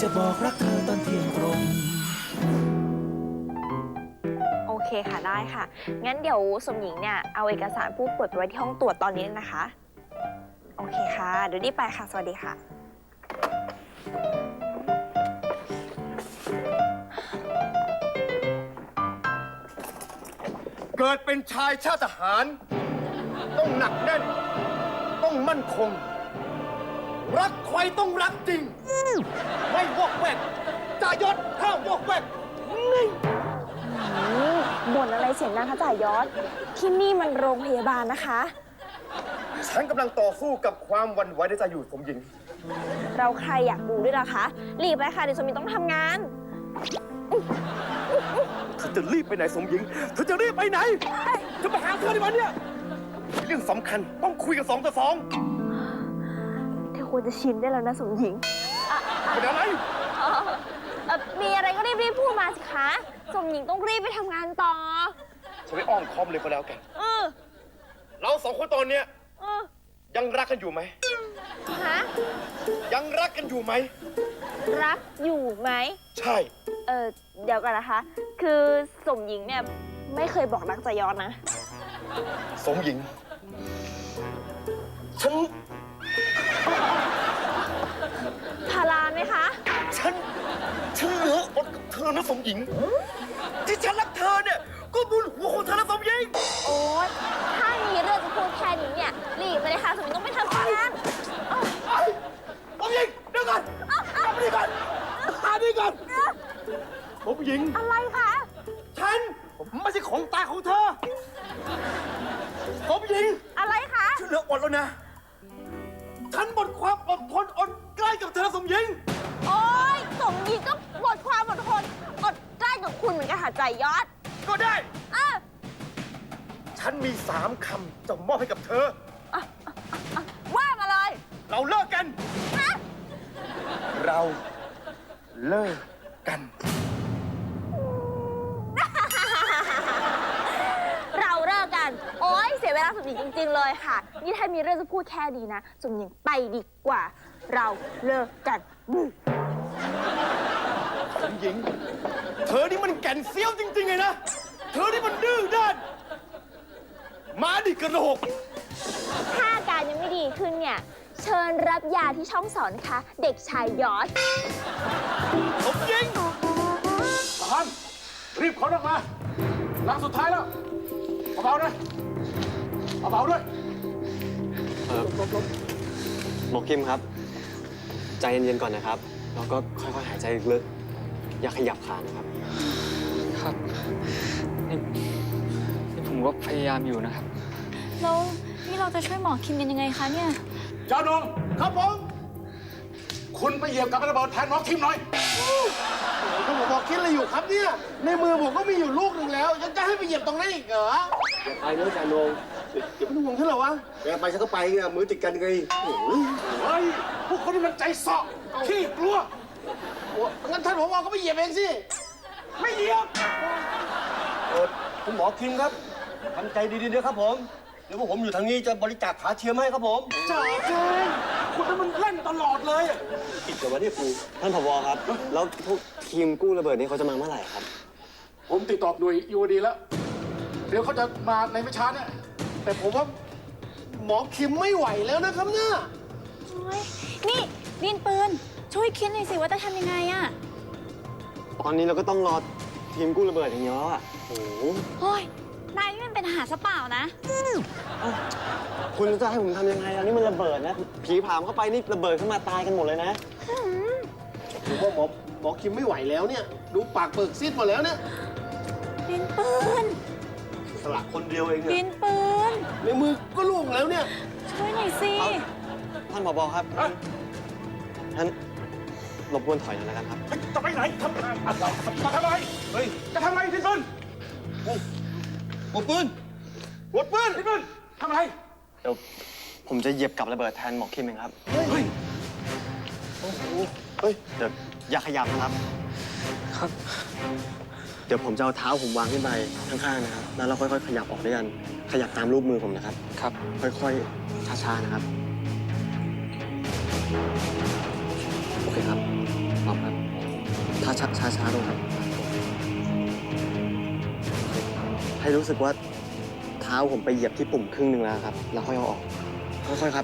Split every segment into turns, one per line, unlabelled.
บอกรักเธอตอนเที่ยงตรง
โอเคค่ะได้ค่ะงั้นเดี๋ยวสมหญิงเนี่ยเอาเอกสารผู้ป่วยไปไว้ที่ห้องตรวจตอนนี้เลยนะคะโอเคค่ะเดี๋ยวรีบไปค่ะสวัสดีค่ะ
เกิดเป็นชายชาติทหารต้องหนักแน่นต้องมั่นคงรักใครต้องรักจริงไม่วอกแวกจ่ายศห้ามวอกแวกนี่
บ่นอะไรเสียงดังคะจ่ายอดที่นี่มันโรงพยาบาลนะคะ
ฉันกำลังต่อสู้กับความหวั่นไหวในใจอยู่สมหญิง
เราใครอยากดูด้วยล่ะคะรีบไปค่ะเดี๋ยวสมหญิงต้องทำงาน
เธอจะรีบไปไหนสมหญิงเธอจะรีบไปไหนจะมาหาเธอในวันเนี้ยเรื่องสำคัญต้องคุยกัน2 ต่อ
เธอควรจะชินได้แล้วนะสมหญิง
2เป็นอะไร
มีอะไรก็รีบพูดมาสิคะสมหญิงต้องรีบไปทำงานต่อ
ฉันไม่อ้อมค้อมเลยก็แล้วกันเรา2 คนตอนเนี้ยยังรักกันอยู่ไหม
ฮะ
ยังรักกันอยู่ไหม
รักอยู่ไหม
ใช่
เดี๋ยวกันนะคะ คือสมหญิงเนี่ยไม่เคยบอกรักจ่ายอดนะ
สมหญิง ฉัน
พาราไหมคะ
ฉันเหลืออดกับเธอนะสมหญิง ที่ฉันรักเธอเนี่ยก็บุญหัวของเธอนะสมหญิง
โอ๊ยถ้ามีเรื่องจะพูดแค่นี้เนี่ยรีบไปเลยค่ะสมหญิงต้องไปทำงาน
สมหญิงเดี๋ยวก่อนมาดีก่อนมาดีก่อนสมหญิง
อะไรคะ
ฉันไม่ใช่ของตายของเธอสมหญิง
อะไรคะ
ฉันเหลืออดแล้วนะ ฉันหมดความอดทนอดใกล้กับเธอสมหญิง
โอ๊ยสมหญิงก็หมดความอดทนอดใกล้กับคุณเหมือนกันค่ะจ่ายอด
ก็ได้
อ่ะ
ฉันมี3 คำจะมอบให้กับเธอ
ว่ามาเลย
เราเลิกกัน
ฮะ
เราเลิกกัน
เราเลิกกัน โอ๊ยเสียเวลาสมหญิงจริงๆเลยค่ะ นี่ถ้ามีเรื่องจะพูดแค่นี้นะสมหญิงไปดีกว่า เราเลิกกัน
สมหญิง เธอนี่มันแก่นเซี้ยวจริงๆเลยนะ เธอนี่มันดื้อด้านมาดิกระโหลก
ถ้าอาการยังไม่ดีขึ้นเนี่ย เชิญรับยาที่ช่องสอนนะคะ เด็กชายยอด
สมหญิง
ทหารรีบขนออกมาหลังสุดท้ายแล้วเบาๆนะเบาๆด้วย
หมอคิมครับ ใจเย็นๆก่อนนะครับ แล้วก็ค่อยๆหายใจลึกๆอย่าขยับขานะครับ
ครับนี่ผมก็พยายามอยู่นะครับ
แล้วนี่เราจะช่วยหมอคิมกันยังไงคะเนี่ย
เจ้าหนุ่มครับผม คุณไปเหยียบกับระเบิดแทนน้องคิมหน่อย
ก็ผมบอกคิดอะไรอยู่ครับเนี่ย ในมือผมก็มีอยู่ลูกหนึ่งแล้ว ยังจะให้ไปเหยียบตรงนั้นอีกเหรอ
อย่าไปนะจ่าโนง
อย่าเป็นห่วงฉันเหรอวะ
แกไปฉันก็ไปไงมือติดกันไง
เฮ้ย พวกคนนี้มันใจเสาะขี้กลัว
งั้นท่านผอก็ไปเหยียบเองสิ
ไม่เหยียบ
คุณหมอคิมครับทำใจดีๆนะครับผม เดี๋ยวพวกผมอยู่ทางนี้จะบริจาคขาเทียมให้ครับผม
จ่าเจนคุณนี่มันเล่นตลอดเลย
ติดกับวันนี้ครูท่านผบครับ แล้วพวกทีมกู้ระเบิดนี้เขาจะมาเมื่อไหร่ครับ
ผมติดต่อหน่วยยูดีแล้ว เดี๋ยวเขาจะมาในไม่ช้าเนี่ย
แต่ผมว่าหมอคิมไม่ไหวแล้วนะครับเนี่ย
โอ๊ย นี่ดินปืน ช่วยคิดหน่อยสิว่าจะทำยังไงอะ
ตอนนี้เราก็ต้องรอทีมกู้ระเบิดอย่างเดียวแล้วอ่ะโอ้โห
โอ้ย นายนี่มันเป็นทหารซะเปล่านะ
คุณจะให้ผมทำยังไงอันนี้มันระเบิดนะ ผีผามเข้าไปนี่ระเบิดขึ้นมาตายกันหมดเลยนะ
ผมว่าหมอคิมไม่ไหวแล้วเนี่ย ดูปากเปิกซีดหมดแล้วเนี่ย
ดินปืน
สละคนเดียวเอง
ดิ
เนี่ย
นปืน
ในมือก็ล่วงแล้วเนี่ย
ช่วยหน่อยสิ
ท่านผบครับท่านรบกวนถอยหน่อยนะครับ
จะไปไหนทำอะไรจะทำอะไร
เฮ้ย
จะทำอะไรที่ปืน
หัวปืนหัวปืน
ที่ปืนทำอะไร
เดี๋ยวผมจะเหยียบกับระเบิดแทนหมอคิมเองครับ
เฮ้ย
เฮ้ย เดี๋ยวอย่าขยับนะครับ
ครับ
เดี๋ยวผมจะเอาเท้าผมวางขึ้นไปข้างๆนะครับ แล้วเราค่อยๆ ขยับออกด้วยกัน ขยับตามรูปมือผมนะครับ
ครับ
ค่อยๆ ช้าๆ นะครับ โอเคครับพร้อมครับช้าลงครับ ให้รู้สึกว่าเท้าผมไปเหยียบที่ปุ่มครึ่งหนึ่งแล้วครับ แล้วค่อยเอาออก ค่อยๆครับ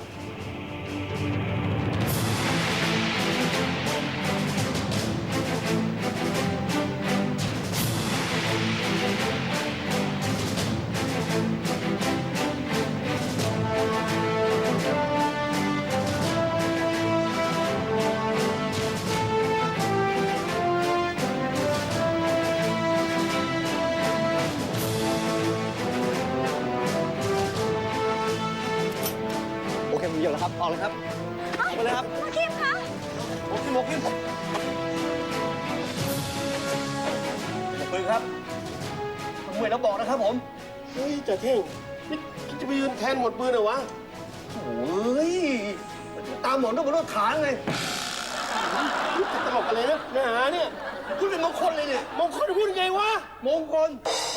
โอเค ผมเหยียบแล้วครับ ออกเลยครับออกไปเลยครับ
หมอคิมคะ
โอเคหมกขึ้นปืนครับผมเหมือนเราบอกนะครับผม
เฮ้ยจ่าเท่งนี่จะไปยืนแทนหมดปืนเหรอวะ
โอ้ย ตามหมอนต้องบนรถขาไง
นี่จะตลกอะไรนะเนื้อหาเนี่ยพูดเป็นมงคลเลยเนี่ยมงคลพูดยังไงวะ
มงคล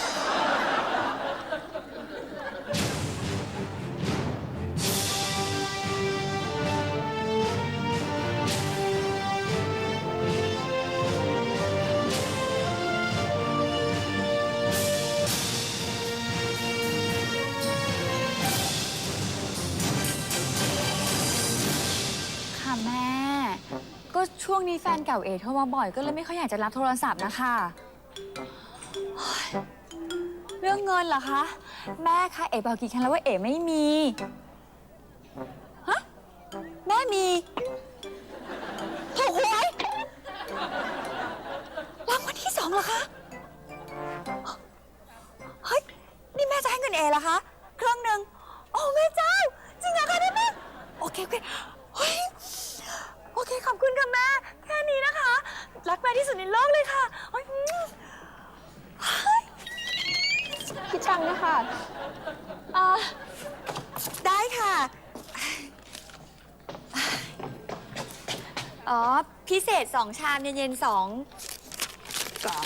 ค่ะแม่ ก็ช่วงนี้แฟนเก่าเอโทรมาบ่อยก็เลยไม่ค่อยอยากจะรับโทรศัพท์นะคะโอ๊ยเรื่องเงินเหรอคะ แม่คะเอ๋บอกกี่ครั้งแล้วว่าเอ๋ไม่มี ฮะ แม่มีถูกหวยรางวัลที่2เหรอคะ เฮ้ย นี่แม่จะให้เงินเอ๋เหรอคะครึ่งหนึ่งโอ้แม่เจ้า จริงเหรอคะเนี่ยแม่โอเคเฮ้ย โอเค ขอบคุณค่ะแม่ แค่นี้นะคะ รักแม่ที่สุดในโลกเลยค่ะโอ๊ยคิดตังค์นะคะได้ค่ะ อ๋อ พิเศษ2 ชาม เย็นๆ2 กล่อง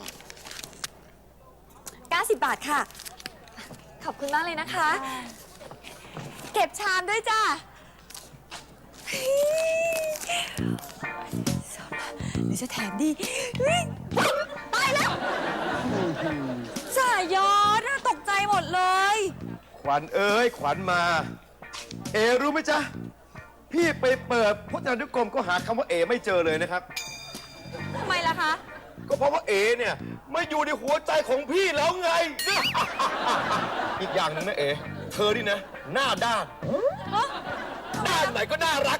90 บาทค่ะ ขอบคุณมากเลยนะคะ เก็บชามด้วยจ้าหรือจะแถมดีเฮ้ยตายแล้วจ่ายอดน่าตกใจหมดเลย
ขวัญเอ้ยขวัญมา เอรู้ไหมจ๊ะ พี่ไปเปิดพจนานุกรมก็หาคำว่าเอไม่เจอเลยนะครับ
ทำไมล่ะคะ
ก็เพราะว่าเอเนี่ยไม่อยู่ในหัวใจของพี่แล้วไง อีกอย่างหนึงนะเอเธอนี่นะ หน้าด้าน
ฮะ
ด้านไหนก็น่ารัก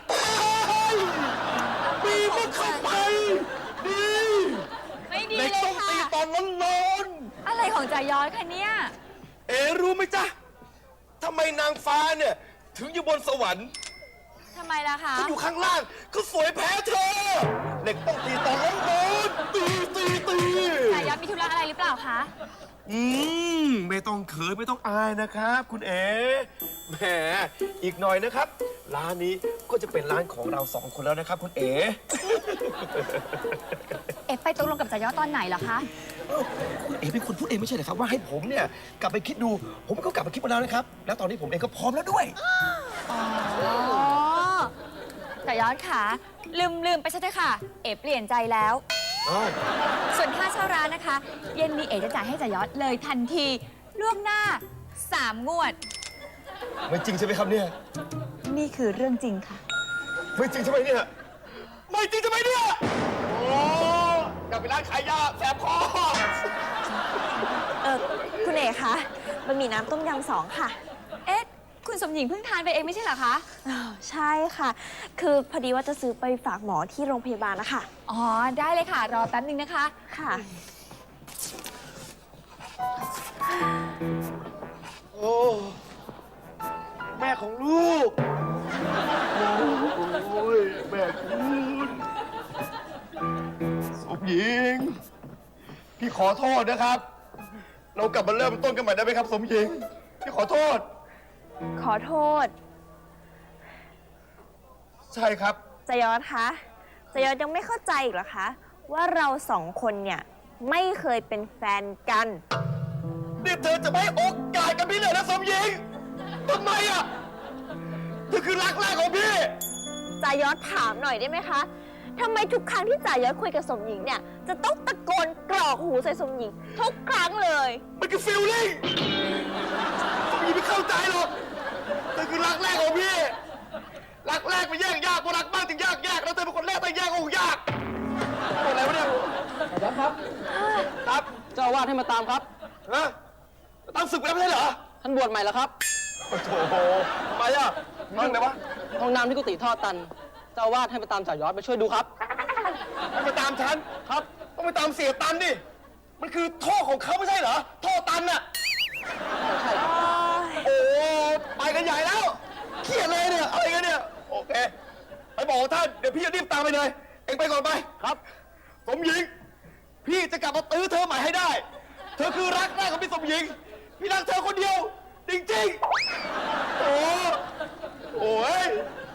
มีมันเข้าไปดี
ไม่ดี
ใน
เลย
ต้อง
ค่ะ
ตีตอนร้อน
อะไรของจ่ายอดคะเนี่ย
ๆเอรู้ไหมจ๊ะทำไมนางฟ้าเนี่ยถึงอยู่บนสวรรค์
ทำไมล่ะคะ
ถ้าอยู่ข้างล่างก็สวยแพ้เธอเด็กต้องตีตอนร้อนๆตี
จ่ายอดมีธุระอะไรหรือเปล่าคะ
ไม่ต้องเขินไม่ต้องอายนะครับ คุณเอ๋แหมอีกหน่อยนะครับ ร้านนี้ก็จะเป็นร้านของเรา2 คนแล้วนะครับ คุณเอ๋
เอ๊ะไปตกลงกับจ่ายอดตอนไหนเหรอคะ
คุณเอ๋เป็นคนพูดเองไม่ใช่เหรอครับว่าให้ผมเนี่ยกลับไปคิดดู ผมก็กลับไปคิดมาแล้วนะครับ แล้วตอนนี้ผมเองก็พร้อมแล้วด้วย
อ๋อจ่ายอดค่ะลืมไปซะเถอะค่ะ เอ๋เปลี่ยนใจแล้ว
อ้าว
ส่วนค่าเช่าร้านนะคะ เย็นนี้เอ๋จะจ่ายให้จ่ายอดเลยทันทีล่วงหน้า 3 งวด
ไม่จริงใช่ไหมครับเนี่ย
นี่คือเรื่องจริงค่ะ
ไม่จริงใช่ไหมเนี่ยไม่จริงใช่ไหมเนี่ยโอ้กลับไปร้านขายยาแสบคอ
คุณเอ๋คะบะหมี่น้ำต้มยำ2 ค่ะ
เอ๊ะ คุณสมหญิงเพิ่งทานไปเองไม่ใช่เหรอคะ
ใช่ค่ะ คือพอดีว่าจะซื้อไปฝากหมอที่โรงพยาบาลนะคะ
อ๋อ ได้เลยค่ะ รอแป๊บนึงนะคะ
ค่ะ
โอ้แม่ของลูก โอ้ยแม่คุณสมหญิง พี่ขอโทษนะครับ เรากลับมาเริ่มต้นกันใหม่ได้ไหมครับสมหญิง พี่ขอโทษ
ขอโทษ
ใช่ครับ
จายอดคะจายอดยังไม่เข้าใจอีกเหรอคะ ว่าเรา2 คนเนี่ยไม่เคยเป็นแฟนกัน
นี่เธอจะไม่ให้โอกาสกับพี่เลยนะสมหญิงทำไมอ่ะเธอคือรักแรกของพี่
จายอดถามหน่อยได้ไหมคะทำไมทุกครั้งที่จ่ายศคุยกับสมหญิงเนี่ย จะต้องตะโกนกรอกหูใส่สมหญิง ทุกครั้งเลย
มันคือฟีลลิ่งผมยังไม่เข้าใจหรอกนั่นคือรักแรกของพี่ รักแรกมันแยกยากพอรักมากถึงยากแล้วเธอเป็นคนแรกแต่แยกโอ้ยากตัวอะไรวะเนี่ย
อาจารย์ครับ
ครับ
เจ้าอาวาสให้มาตามครับ
ฮะตั้งศึกแล้วไม่ใช่เหรอ
ท่านบวชใหม่แล้วครับ
โอ้โหทำไมอ่ะมีเรื่องอะไรวะ
ห้องน้ำที่กุฏิท่อตัน เจ้าอาวาสให้มาตามจ่ายอดไปช่วยดูครับ
ต้องไปตามฉันครับ ต้องไปตามเสียตันดิมันคือท่อของเขาไม่ใช่เหรอท่อตันน่ะ
ใช่ครับ
โอ้ไปกันใหญ่แล้วเครียดเลยเนี่ยอะไรกันเนี่ยโอเคไปบอกท่านเดี๋ยวพี่จะรีบตามไปเลยเองไปก่อนไปครับสมหญิง พี่จะกลับมาตื้อเธอใหม่ให้ได้ เธอคือรักแรกของพี่สมหญิง พี่รักเธอคนเดียว จริงๆโอ้ย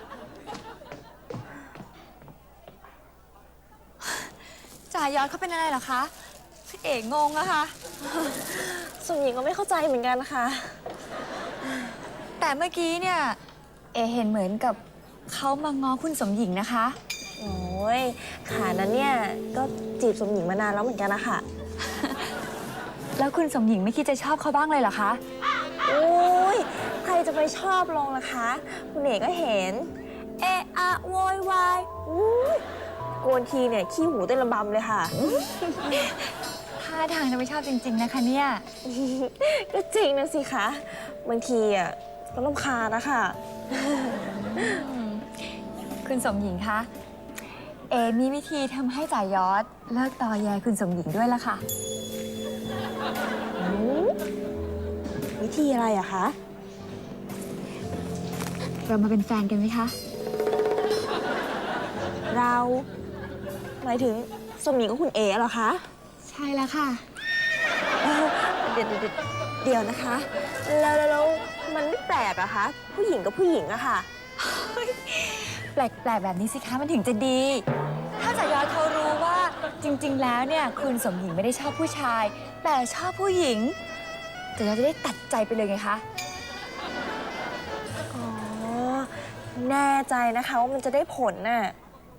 จ่ายอดเขาเป็นอะไรเหรอคะเอ๋งงอะค่ะ
สมหญิงก็ไม่เข้าใจเหมือนกันนะคะ
แต่เมื่อกี้เนี่ย เอ๋เห็นเหมือนกับเขามาง้อคุณสมหญิงนะคะ
โอ้ยขานั้นเนี่ย ก็จีบสมหญิงมานานแล้วเหมือนกันนะคะ
แล้วคุณสมหญิงไม่คิดจะชอบเขาบ้างเลยเหรอคะ
โอ้ยใครจะไปชอบลงล่ะคะ คุณเอกก็เห็น เอะอะโวยวายอู้ยโกนทีเนี่ย ขี้หูเต้นระบำเลยค่ะ
ท่าทางจะไม่ชอบจริง ๆ นะคะเนี่ย
ก็จริงนะสิคะ บางทีอ่ะก็รำคาญนะคะ
คุณสมหญิงคะ เอมีวิธีทำให้จ่ายอดเลิกตอแยคุณสมหญิงด้วยละค่ะ
วิธีอะไรอะคะ
เรามาเป็นแฟนกันไหมคะ
เราหมายถึงสมหญิงกับคุณเอ๋เหรอคะ
ใช่แล้วค่ะ
เดี๋ยวนะคะ แล้วมันไม่แปลกอะคะ ผู้หญิงกับผู้หญิงอะค่ะ
แปลกๆแบบนี้สิคะมันถึงจะดี ถ้าจ่ายอดเขารู้ว่าจริง ๆ แล้วเนี่ยคุณสมหญิงไม่ได้ชอบผู้ชาย แต่ชอบผู้หญิงจ่ายอดจะได้ตัดใจไปเลยไงคะ
อ๋อ แน่ใจนะคะว่ามันจะได้ผลน่ะ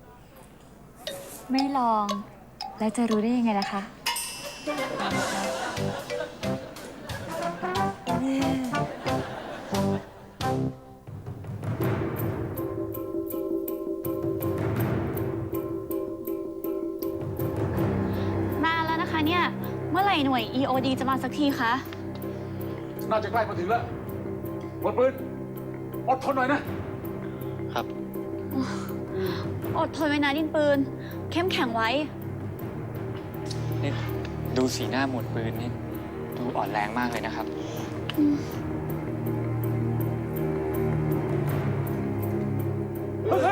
ไม่ลองแล้วจะรู้ได้ยังไงล่ะคะ
นานแล้วนะคะเนี่ย เมื่อไหร่หน่วย EOD จะมาสักทีคะ
น่าจะใกล้มาถึงแล้วหมดปืนอดทนหน่อยนะ
อดทนไว้นะดินปืน เข้มแข็งไว้
นี่ดูสีหน้าหมวดปืนนี่ดูอ่อนแรงมากเลยนะครับ
เฮ้ย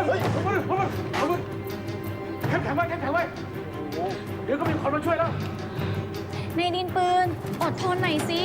เข้มแข็งไว้เข้มแข็งไว้โอ้เดี๋ยวก็มีคนมาช่วยแล้ว
ในดินปืน อดทนหน่อยสิ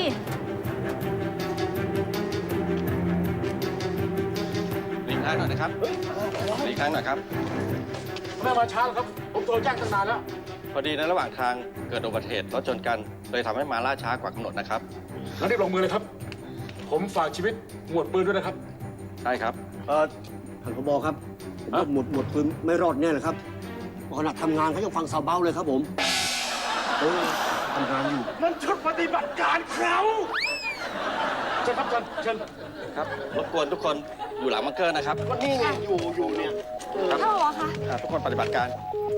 หลีกทางหน่อยนะครับหลีกทางหน่อยครับ
แม่มาช้าแล้วครับ ผมโทรแจ้งตั้งนานแล้ว
พอดีในระหว่างทางเกิดอุบัติเหตุรถชนกันเลยทำให้มาล่าช้ากว่ากำหนดนะครับ
แล้วรีบลงมือเลยครับ ผมฝากชีวิตหมวดปืนด้วยนะครับ
ได้ครับท่านผบครับผมว่าหมดปืนไม่รอดแน่เลยครับขนาดทำงานเขายังฟังซาวเบ้าเลยครับผมทำงานอยู่
นั่นชุดปฏิบัติการเขาเชิญครับเชิญ
ครับรบกวนทุกคนอยู่หลังบังเกอร์นะครับก็นี่ไงอยู่เนี่ยครับ
เข้าเหรอคะ
ทุกคนปฏิบัติการ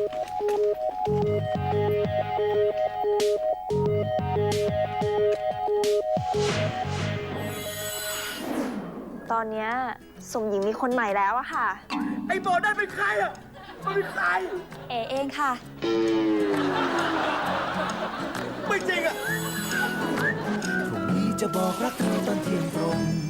ตอนเนี้ยสมหญิงมีคนใหม่แล้วอะค่ะ
ไอ้บอนั่นเป็นใครอ่ะมันเป็นใคร
เอเองค่ะ
ไม่จริงอ่ะ
พรุ่งนี้จะบอกรักเธอตอนเที่ยงตรง